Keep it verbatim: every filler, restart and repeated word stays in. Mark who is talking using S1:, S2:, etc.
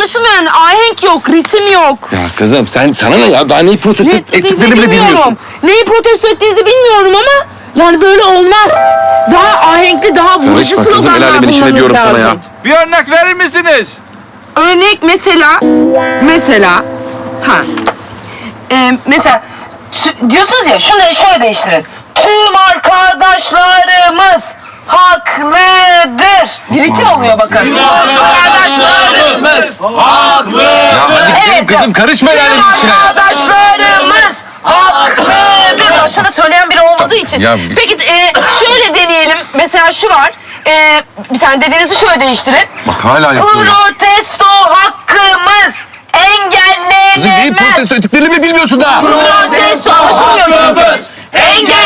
S1: anlaşılmıyor yani. Ahenk yok, ritim yok.
S2: Ya kızım sen sana ne ya? Daha neyi protesto
S1: Ne,
S2: ettiklerini bile bilmiyorsun.
S1: Neyi protesto ettiğinizi bilmiyorum ama yani böyle olmaz. Daha ahenkli, daha vurucu
S2: Karışma kızım, el
S1: sloganlar
S2: alemin işine
S1: bulmanız
S2: diyorum
S1: lazım.
S2: sana ya.
S3: Bir örnek verir misiniz?
S1: Örnek mesela, mesela, ha, e, mesela tü- diyorsunuz ya, şunu şöyle değiştirin. Tüm arkadaşlarımız haklıdır. Bir ritim oluyor bakın. Tüm arkadaşlarımız
S3: haklı.
S2: Ya hadi gidelim
S1: Evet,
S2: kızım, karışma el alemin
S1: tüm
S2: işine.
S1: arkadaşlarımız haklıdır. Başta söyleyen biri olmadığı için.
S2: Ya-
S1: Peki e, şöyle deneyelim. Mesela şu var. E, bir tane dediğinizi şöyle değiştirin.
S2: Bak hala yapıyor ya.
S1: Protesto hakkımız engellenemez.
S2: Kızım neyi protesto ettiklerini bile bilmiyorsun daha.
S1: Protesto anlaşılmıyor çünkü. Engellenemez.